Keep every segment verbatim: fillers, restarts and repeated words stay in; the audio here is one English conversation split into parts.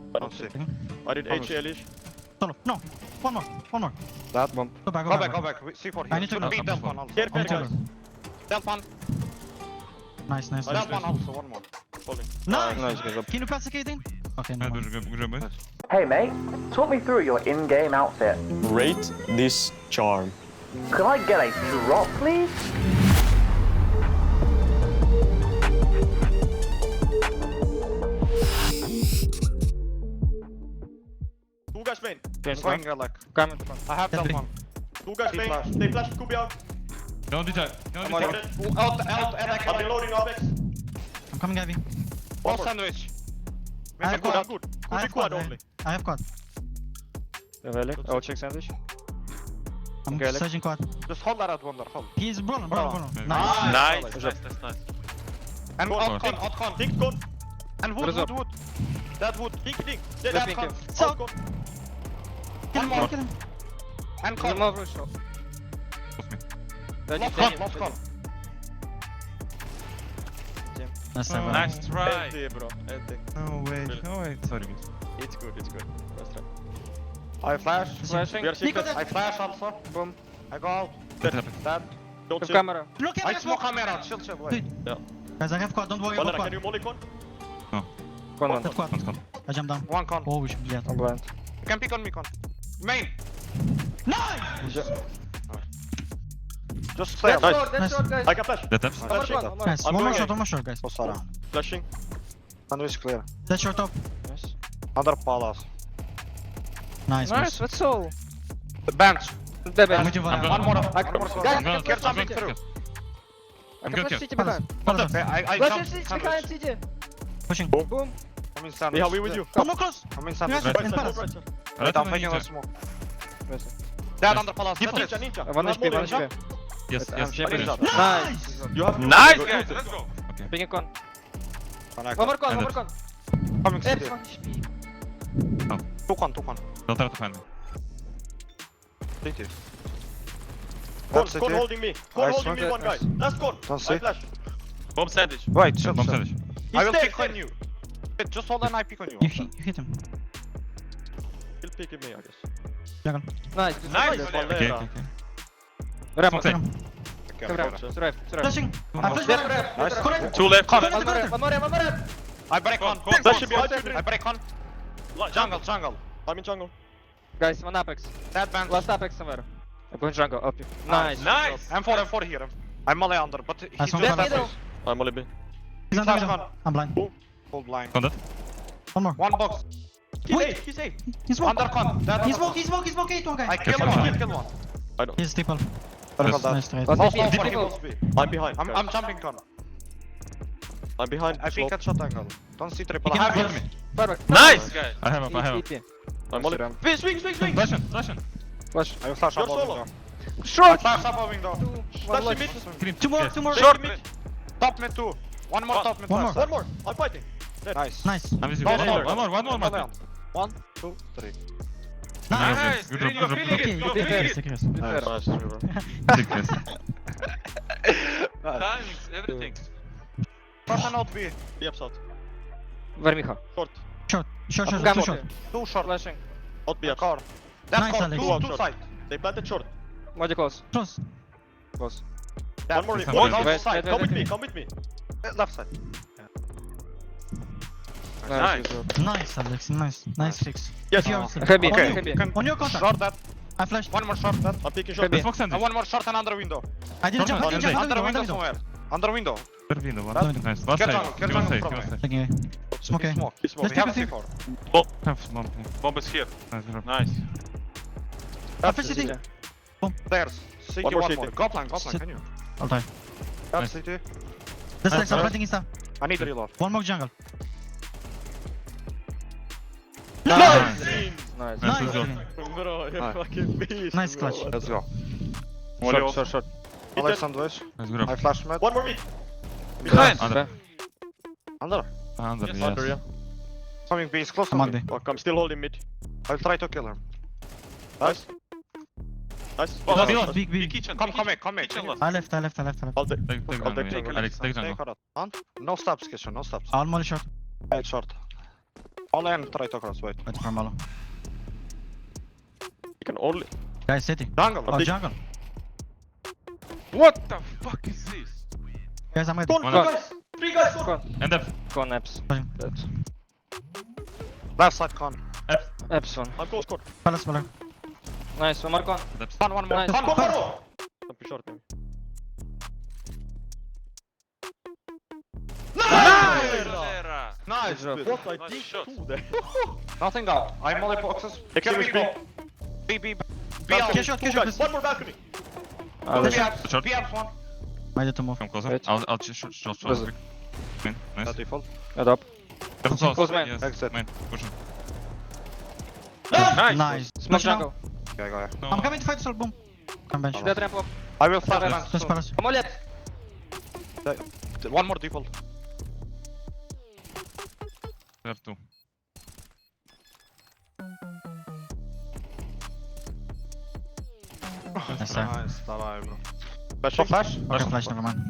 Don't see. I did H L ish. Solo. No. One more. One more. That one. Go back. Go back, go back. C four I here. need to Should go. be Delp one also. Here, here, One guys. Delp one. Nice, nice. Nice. nice. Delp one also, one more. Holding. Nice. Nice, good job. Can you pass the Kaden? Okay, no. Ja, дуже гриби. Hey mate, talk me through your in-game outfit. Rate this charm. Could I get a drop, please? Two guys main. I'm going uh, like. Come. I have Delp one. Two guys main. flash. They flash Kubi out. Don't detect. Don't I'm on detect. it. Out, out, and I I'm can. reloading Avex. I'm coming heavy. One sandwich. I I'm have good, quad. I'm good. I Kubi have quad quad. only. I have quad. Really? I'll check sandwich. I'm Okay, Alex. searching quad. Just hold that at wonder, hold. He's rolling, rolling, rolling. Nice. Nice. Nice. Nice. Nice, nice, nice. And Cool. out con, out con. Think con. And wood, What is wood, up? wood. That wood. Think, think. That Let me con. kill. So- Out con. Kill him, One more. kill him. And Come con. over, shot. Lost con, lost con. Nice, Oh. seven. Nice try. Empty, bro. Empty. No way. No way. Sorry. It's good, it's good. Nice try. I flash. Flashing. We are secret. I flash also. Boom. I go out. What happened? Dead. Don't Have see. camera. Look at I that smoke smoke. camera. Chill, chill. Wait. Yeah. Guys, I have quad. Don't worry Valera, about can you quad. molly con? One one. That's quad. One's gone. I jump down. One con. Oh, we should be at. I'm blind. You can pick on me con. Main. Nice! Just stay. Nice. That's Nice. short, guys. I can flash. The taps. One more, Flashing. one more. Nice. I'm One more going shot, in. one more shot, guys. Oh, Sara. Flashing. Sandwich clear. That short top. Nice. Under palace. Nice, Nice, nice. let's all. The bench. The I'm bench. with you, I'm Valera. One more. I One more. Guys, I'm Guys, I gonna can get flash something C J. through. I I'm can good, flash yeah. C J Palace. behind. Palace. Okay, I, I Flash jump C J sandwich. behind C J. Pushing. Boom. I'm in sandwich. Yeah, we with you. One more close. I'm in sandwich. Yes. Right in side, Palace. right side. Wait, I'm taking a Ninja. smoke. Nice. Dead under palace. Ninja, Ninja. ninja. Uh, One You H P, have one molly, H P. Yes, I'm yes. shaping. Ninja. Nice. You have Nice, Good, guys. good. Let's go. Okay. Ping a con. Connect. One more con, one And more con. Coming There, city. one H P. Two con, two con. Don't try to find me. City. Con, That's con city. holding me. Con Nice, holding me, okay, one guy. nice. Last con. Don't I see. flash. Bomb sandwich. Wait, chill, Bomb chill. sandwich. I will He's pick dead, on you. Wait, just hold an I pick on you. You, hit- you hit him. He'll pick me, I guess. Jungle. Nice. good Nice. job. Okay, okay, Valera. okay. Rep, Smoke Hit side. him. Okay, Come okay, rep. okay. Survive, survive. Flashing. I flash Rep, Valera. rep, Nice. rep. Correct. Two left. Con. One more rep, one more rep, one more rep. I break con. Con, con, Flash behind you. I break con. Jungle. Jungle, jungle. I'm in jungle. Guys, one Apex. Dead bench. Last Apex somewhere. I'm going jungle, up you. Nice. Nice. M four, M four here. I'm melee under, but he Nice just one. Dead left middle. us. I'm only B. He's on the Flash middle. con. I'm blind. Full blind. Con dead. One more. One box. He's Wait. eight, he's eight. He's smoke. Under con. Dead He's under smoke, he's smoke, he's smoke. Eight, one con. I guy. kill Careful. one, I kill one. I know. He's triple. Circle Yes. that. Nice trade. Last Last H P, one, he people. must be. I'm behind. I'm, guys. I'm jumping con. I'm behind. I slope. peek at shot angle. Don't see triple. He I can have kill it. me. Perfect. Nice, guys. I have him, I have him. E P. I'm only. Swing, swing, swing, swing. Flash him, flash him. Flash. I will flash You're up solo. window. I Short. flash up a window. Two. One Flash left. mid. Green. Two more, Yes. two more. Short mid. Top mid two. One more One. top mid. One last. more. One more. I'm fighting. Nice. Nice. I'm with you. One One more. more, one more, one more, Melee man. on. One, two, three. Nice. Nice. Good Green, job, you're good feeling job. Okay, it. You're okay, feeling yes, it. yes. Nice. Nice, bro. Sickness. Timings, everything. Short and out B. B upside. Vermicha. Short. Short, short, short, Gamma. two short. Two short. Flashing. Out B upside. Core. That's Nice, core. Alex. Two, Two two short. side. They planted short. Moja close. Close. Close. One more. Yes, One I'm more wait, side. wait, Come wait, with me. wait. Come with me. Eh, Left side. Nice. good job. Nice, Alex. Nice. Nice fix. Yes. If you Oh. are still- Heavy, On Okay. you. heavy. Can- On your contact. Short that. I flashed. One more short that. I'm picking short. Heavy. Smoke sandwich. And one more short and under window. I didn't jump. I didn't jump. Under Under Under window. window Under window. somewhere. Under window. Third window, one. That's- Nice. Last Get side. jungle, get Give us jungle side, from give us there. side. Taking away. Smoke He away. smoke. He smoke. Let's We have take C a four. Have smoke. Bomb is here. Nice, good job. Nice. I flashed city. There's. City One more one city. more. Go plan, go plan. Sit. Can you? I'll die. That's Nice. city. This Nice, Alex, I'm nice. planting insta. I need reload. One more jungle. Nice. Nice. Nice, Nice. good job. Bro, you're Nice. fucking beast. Nice bro. clutch. Let's go. Molly Short, off. short, short. Hit Alex it. sandwich. Nice, good I job. flash mid. One more mid. Behind. Under. Under. Under, Yes, yes. Under, yeah. Coming B is close to I'm on me. B. Fuck, I'm still holding mid. I'll try to kill him. Nice. Nice. Oh, Big, last. big, Big big. kitchen. Come, big come kitchen. in, come in. Kitchen Can last. I left, I left, I left, I left. I'll take. Take, take I'll jungle. take Alex, take Take jungle. her out. On. No stabs, kitchen, no stabs. I'll molly short. Eight short. Only and try to cross, wait. Wait for Malo. You can only. Guys, city. Jungle. Oh, jungle. What the fuck is this? Guys, I'm ready. Con, One two up. guys! Three guys! Con! Con. And depth. Con, Eps. Fine. Dead. Left side con. Eps one. I'm close, Con. Palace, Malo. Nice, one more con. Depth. One, one more. Nice. Con, Con, Con, Con! I'm pretty short, maybe. Valera. Nice. job. Good. What I Nice did shot. two there. Nothing out. I'm molly boxes. They can Series be B. B, B, B Balcony. out. Get shot, Two get shot, guys. please. One more balcony. Ah, B that's out. Short. B out one. Ready to move. Come closer. Wait. I'll, I'll just short, short, short. Closer. Main. Nice. By default. Head up. Careful close. Close main. Yes. Exit. Main. Push him. Nice. Nice. Smoke Push now. jungle. Okay, go ahead. No. I'm coming to fight assault, boom. Come bench. Dead ramp up. I will flash Yes. fence Just soon. Palace. Come on, left. One more default. There two. Nice, sir. Nice, давай, bro. Flash, flash. Okay, flash, never mind.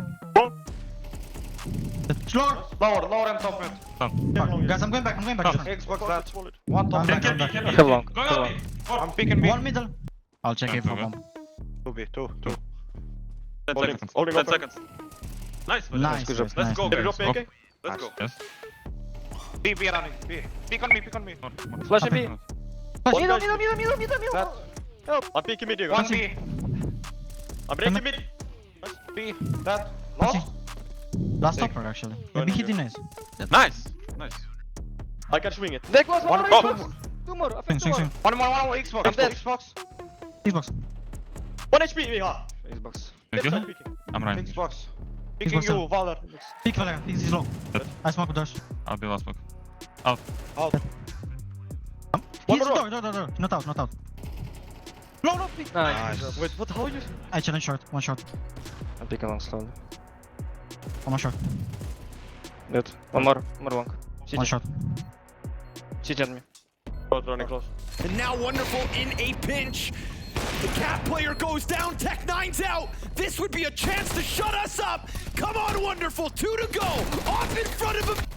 Lower! Lower, lower and top mid. Fuck. Guys, I'm going back, I'm going back. Xbox That's that. wallet. One top Can- mid. can be, can be. Head long. Go, Head go, long. I'm picking B. One middle. I'll check Yeah, it for go, go. bomb. Two B, two, two. Ten Only- seconds. only Ten one seconds. Nice. Valera. Nice, good job. nice, Let's nice. go, Can you guys. drop me, okay? Let's go. Yes. B, B running. B. Pick on me, pick on me. More, more. Flash and B. One Middle, guy- middle, middle, middle, middle, middle. That. I'm peeking mid, you One guys. B. I'm breaking mid. B. That. Pussy. Lost. Last stopper, actually. Maybe he didn't. Nice. Nice. I can swing it. Dead close, one One more, more. Xbox. Two more, I Swing, think two swing, more. swing. One more, one more. Xbox. I'm dead. Xbox. Xbox. One H P, Miha. Xbox. Thank Left you. side peeking. I'm running. Xbox. Picking Xbox you, Valor. Peek Valera, he's he's low. Dead. I smoke with doors. I'll be last smoke. Out. Um, One he's more door, door, door, door. Not out, not out. No, no, please. Nice. Nice. Wait, what? How you? I challenge short, one short. I'm picking long slowly. One more short, Dead. One more, one more long. one C T. short. C T on me. Both running close. And now Wonderful in a pinch. The cat player goes down, Tech nine's out. This would be a chance to shut us up. Come on, Wonderful, two to go. Off in front of him.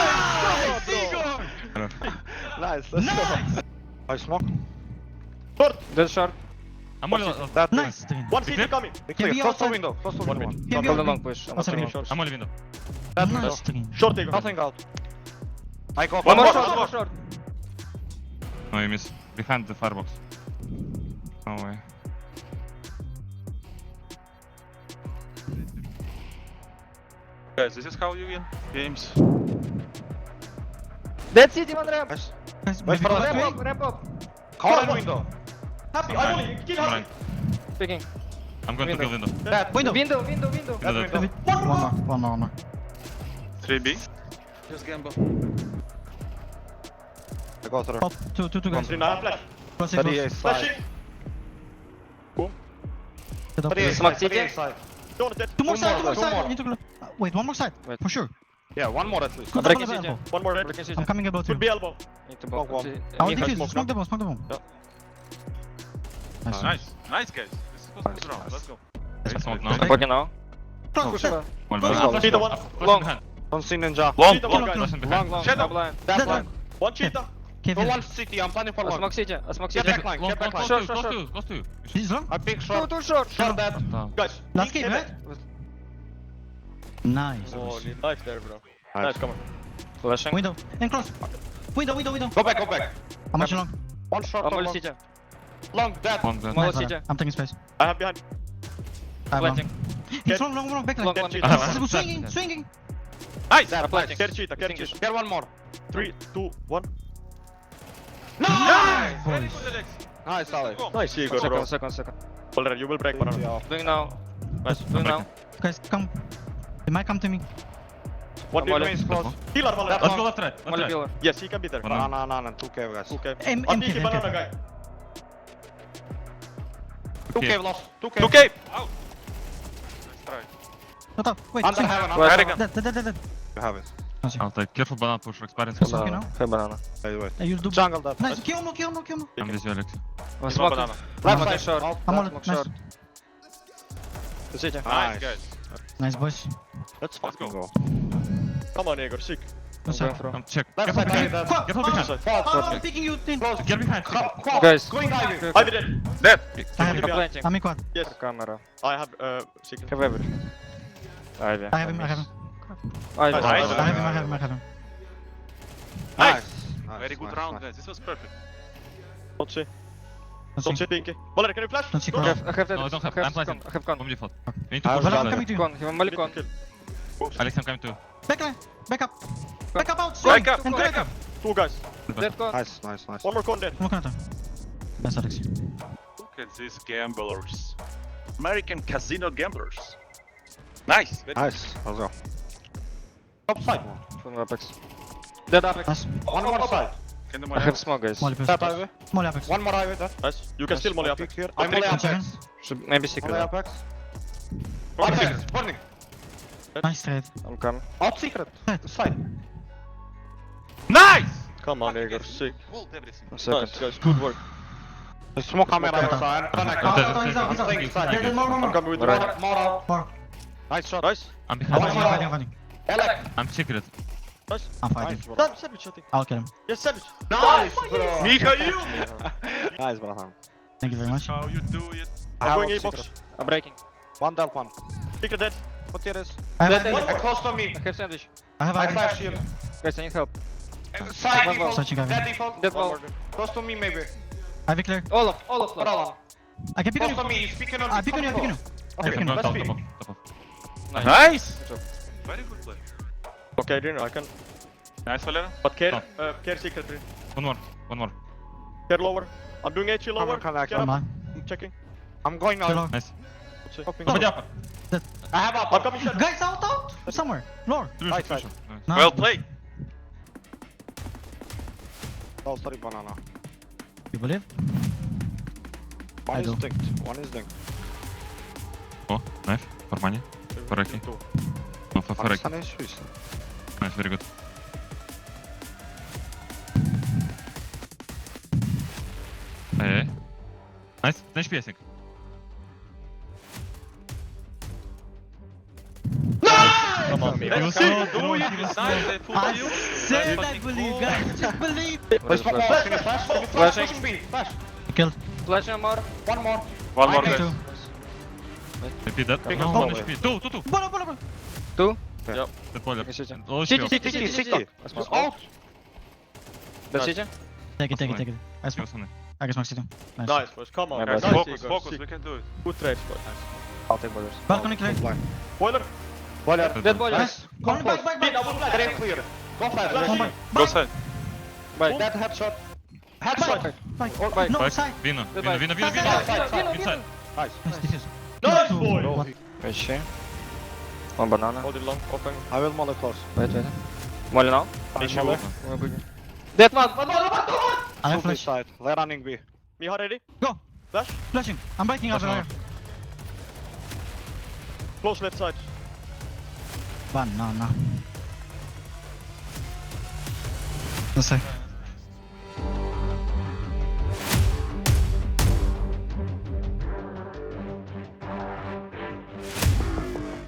Nice, let's go. I smoke. Dead short. I'm only last. That. Nice, Steven. One C T coming. Big Can clear. be Close the outside. window. Close the One window. mid. Can be Double open. long push. I'm Outside taking mid. short. I'm only window. That Nice, window. Steven. Short take. Nothing out. I go. One more for- short, one more short. No, you miss. Behind the firebox. No way. Guys, this is how you win games. Dead C T, one ramp. Nice. Guys, Wait maybe for go the back. Ramp up, ramp up. Corner window. Happy. I'm only. Kill I'm happy. running. Picking. I'm going to kill window. That. Window. Window, window, window. That Window. window. One more, one more, one more. three B. Just gamble. I go through. Pop, two, two, two guys. Three nine flash. Close it, thirty-eight close. Flash side. it. Get up. thirty-eight Smoke side. C T. thirty-eight side. Don't dead. Two more Two side, more, two more two side. more. Need to go. uh, Wait, one more side. Wait. For sure. Yeah, one more at least. Could breaking double C T. elbow. One more red. Breaking C T. I'm coming about Could two. be elbow. Need to Walk, block. walk. C- I'll me defuse. first. Smoke the bomb, smoke the bomb. Nice. Nice. Nice, guys. This is supposed to be round. Let's go. I smoke now. I'm poking now. Close, Push close. left. One Close, more. close. See the one. Close Long. behind. Don't see ninja. Long, Cheetah, long, one guys. Close behind. Long, long. Shadow. Double line. That's Dead one. One cheetah. Cave Go in. one city. I'm planning for I one. smoke C T. I smoke C Get T. back line. Long, Get back close, line. close, close to, close to. He's long. I pick Two, short. two short. Short dead. Down. Guys. Last peek game, heaven. right? Nice. Oh, need life there, bro. Nice, come on. Flashing. Window. And close. Window, window, window. Go back, go back. How much long? One short. I'm One only long. C T. Long dead. One dead. One Nice, C T. brother. I'm taking space. I have behind. I have long. Planting. He's long, long, long. Back Long, line. one. cheetah. Ah, He's ah, swinging, ah. swinging. Nice. Dead. planting. Care cheetah, care Distinguish. cheetah. Get one more. Three, two, one. Nice. Very Boys. good, Alex. Nice, Ali. Nice, Igor, bro. Second, second, second. Valera, you will break banana. Yeah. Doing now. Nice. Doing now. Guys, come. They might come to me. One One deal. is close. Healer, Valera. Let's go left, right. Left, Molly right. pillar. Yes, he can be there. One No, no, no, no. Two cave guys. Okay. M- I'm M K, peeking M K. banana, guy. Two Okay. cave lost. Two cave. two K. Out. Nice try. Not up. Wait, Under swing. heaven. Wait. Under Very heaven. good. Dead, dead, dead, dead. You have it. I'll take careful banana push for experience. Yes. Okay, now. Hey, banana. Wait, wait. Hey, you do. Jungle dead. Nice. Kill him, kill him, kill him. I'm with you, Alex. I'm He's one smoking. banana. Left Smoking side. short. Out. I'm on Smoke it. Nice. short. C T. Nice, Nice. guys. Nice, boys. Let's Let's fucking go. go. Come on, Igor, sick. No, I'm sir. going through. Come check. Left Get side, behind. Ivy, Fuck! Get hold Oh, behind. oh, I'm picking you, Tin. Get behind. Quad. Guys. Going Ivy. Ivy dead. Dead. I have I'm him. planting. I'm in quad. Yes. Camera. I have uh secret. Have everything. Ivy. I have him, I have him. Ivy. Nice. I have him, I have him, I have him. Nice. Very good round, guys. This was perfect. Don't see. Don't Don't see. see Pinky. Valeri, can you flash? Don't see Go. I quad. have, I have that. No, I don't have. I I'm have planting. con. I have con. Bomb default. We need to I push was- Well, I'm that. coming to you. Con. He Malik con. Kill. Alex, I'm coming too. Back line. Back up. Back up out. Back up, And back correct. up. Two guys. Dead con. Nice, nice, nice. One more con dead. Come on, come on. Nice, Alex. Look at these gamblers. American casino gamblers. Nice. Very Nice. Let's go. Top side one. From Apex. Dead Apex. Nice. One more side. Can the I money have smoke, guys. Molly push. Tap Ivy. Molly Apex. One more Ivy. That. Nice. You can still molly up. Peek here. I'm molly One second. Apex. Should maybe secret. Molly though. Apex. Apex. Spawning. Nice trade. I'm coming. Out secret. Side. Nice! Come on, Igor. Sick. Hold everything. One second. Nice, guys. Good work. The smoke camera outside. Connect. Oh, Dead, oh, he's dead, out, he's out. dead, dead, There- dead. there's more, more, I'm more. coming with the Right. right. More out. More. Nice shot. Nice. I'm I'm behind. fighting, I'm fighting, I'm fighting. Alex. I'm secret. Nice. I'm fighting. Nice, bro. Damn, Savage, I think. I'll kill him. Yes, Savage. Nice, bro. Mikhail! Nice, brother. Thank you very much. How you do it? I'm going out A box. secret. I'm breaking. One down, one. Secret dead. What here is? I have, Dead, I dead. have, Close to me. I have sandwich. I have, I I have. flash here. Guys, I need help. Side One more. default. Searching Ivy. Dead default. Dead One wall. more. Close to me, maybe. Ivy clear. All of, all of, Put all on. I can pick on Close to you. me. He's picking on I me. pick on you, I pick on you. I Okay, pick on No, you. let's top, be. top off, top off. Nice! Good job. Very good play. Okay, then I can. Nice, Valera. But care, Oh. uh, care secret. Green. One more, one more. Care lower. I'm doing H lower. on, connect. Care Come up. on. I'm checking. I'm going Kill now. her. Nice. Hopping. Somebody up. I have I'm up. coming shut. Guys, out, out. Somewhere. Floor. Two Right shot, side. two shot. Nice. No. Well played. Oh, sorry, banana. You believe? One I is do. dinked. One is dinked. Oh, knife. For money. For Reki. No, for, for Reki. Pakistan is Swiss. Nice, very good. Hey. Nice. Ten śpi, Jasiek. Come on, me. You Let's see? go. Do it. Nice. They put I you. said I believe, guys. Just believe. What is Flash, flash? can you flash? Can you flash? Flashing. Push speed. Flash. Kill. Flash one more. One more. One more, I guys. Two. Repeat that. Pick No, up no, both. ten śpi. Tu, tu, tu. Bola, bola, bola. Two. Dead boiler. Yes, yes, Oh, City, śpi. city, city, sixty. city. Out. That's it, yeah? Take it, take it, take it. I smoke. Śpią, I can smoke city. Nice. Nice, boys. Come on. Yeah, Nice, but- Focus, Igor. focus. Sick. We can do it. Good trades, boys. I'll take borders. Balcony clear. Boiler. Boiler. Dead boiler. Nice. One back, back, back. Green clear. Go flash. One Green. back. Go side. Bye. Dead headshot. Back. Headshot. Back. Back. No, Back. side. Vino. Vino, Goodbye. Vino, Vino, Side, Vino. side, side, side. Inside. Nice. Nice, defuse. Nice, Two. boy. One. Wait, she. One banana. Hold it long. Open. I will molly close. Wait, wait. Molly now. Finish molly. you. Dead one. One more. I have Two B flash. side. They're running B. Miha ready? Go. Flash. Flashing. I'm breaking out Flash there. Close left side. Banana. Let's say.